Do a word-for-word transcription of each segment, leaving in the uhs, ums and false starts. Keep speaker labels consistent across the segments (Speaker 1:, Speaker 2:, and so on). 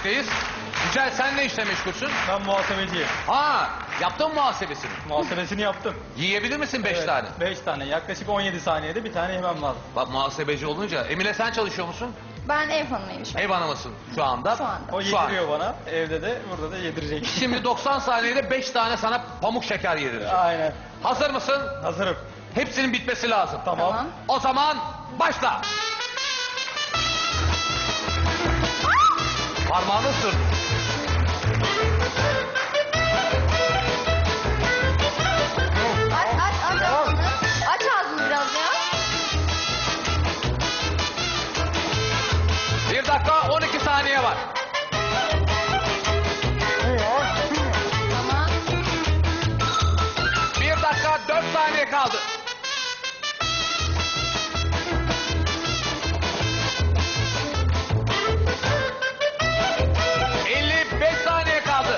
Speaker 1: birlikteyiz. Yücel, sen ne işle meşgulsün?
Speaker 2: Ben muhasebeciyim.
Speaker 1: Ha, yaptın mı muhasebesini?
Speaker 2: Muhasebesini yaptım.
Speaker 1: Yiyebilir misin beş
Speaker 2: Evet,
Speaker 1: tane?
Speaker 2: Beş tane. Yaklaşık on yedi saniyede bir tane yemem lazım.
Speaker 1: Bak, muhasebeci olunca. Emine, sen çalışıyor musun?
Speaker 3: Ben ev hanımıyım şu an.
Speaker 1: Ev hanımısın şu anda.
Speaker 3: Şu anda.
Speaker 2: O
Speaker 1: Şu an.
Speaker 2: yediriyor bana. Evde de burada da yedirecek.
Speaker 1: Şimdi doksan saniyede beş tane sana pamuk şeker yedireceğim.
Speaker 2: Aynen.
Speaker 1: Hazır mısın?
Speaker 2: Hazırım.
Speaker 1: Hepsinin bitmesi lazım.
Speaker 2: Tamam.
Speaker 3: Tamam.
Speaker 1: O zaman başla. Parmağını ısır.
Speaker 3: Aç aç aç ağzını. Aç ağzını biraz ya.
Speaker 1: Bir dakika on iki saniye var.
Speaker 3: Tamam.
Speaker 1: Bir dakika dört saniye kaldı. elli beş saniye kaldı.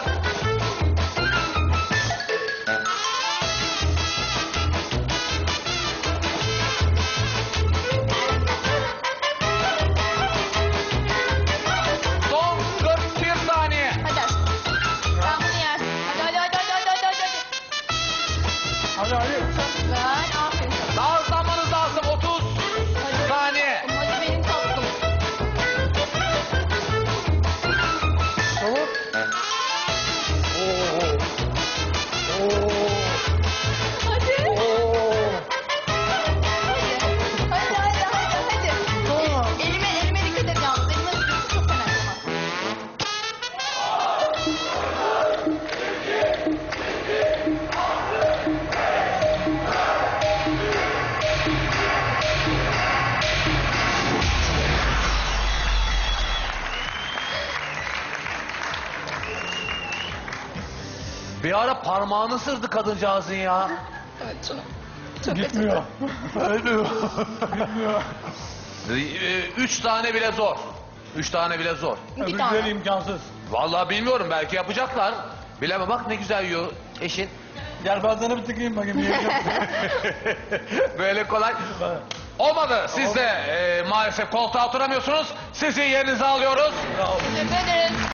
Speaker 1: Son kırk bir saniye.
Speaker 3: Hadi aç. Sen bunu yersin. Hadi hadi hadi hadi hadi hadi. hadi.
Speaker 2: Hadi hadi.
Speaker 3: Çok güzel. Aferin sana.
Speaker 1: Daha hızlanmanız lazım. otuz
Speaker 3: Hadi.
Speaker 1: saniye.
Speaker 3: Hadi benim tatlım.
Speaker 2: Çabuk. Oo. Oo.
Speaker 3: Hadi.
Speaker 2: Oo.
Speaker 3: Hadi hadi hadi hadi.
Speaker 2: Tamam.
Speaker 3: Elime elime dikkat et yalnız. Elime ısırısı çok önemli.
Speaker 1: Bir ara parmağını ısırdı kadıncağızın ya.
Speaker 3: Evet canım. Çok
Speaker 2: Gitmiyor.
Speaker 1: Ölmüyor.
Speaker 2: Gitmiyor.
Speaker 1: Ee, Üç tane bile zor. Üç tane bile zor.
Speaker 3: Bir
Speaker 2: Öbürleri
Speaker 3: tane.
Speaker 2: imkansız.
Speaker 1: Vallahi bilmiyorum, belki yapacaklar. Bilemem, bak ne güzel yiyor eşin.
Speaker 2: Gel ben sana bir tıkayım bakayım. Yiyeceğim.
Speaker 1: Böyle kolay. Olmadı. Siz de e, maalesef koltuğa oturamıyorsunuz. Sizi yerinize alıyoruz.
Speaker 2: Bravo.
Speaker 3: Teşekkür ederiz.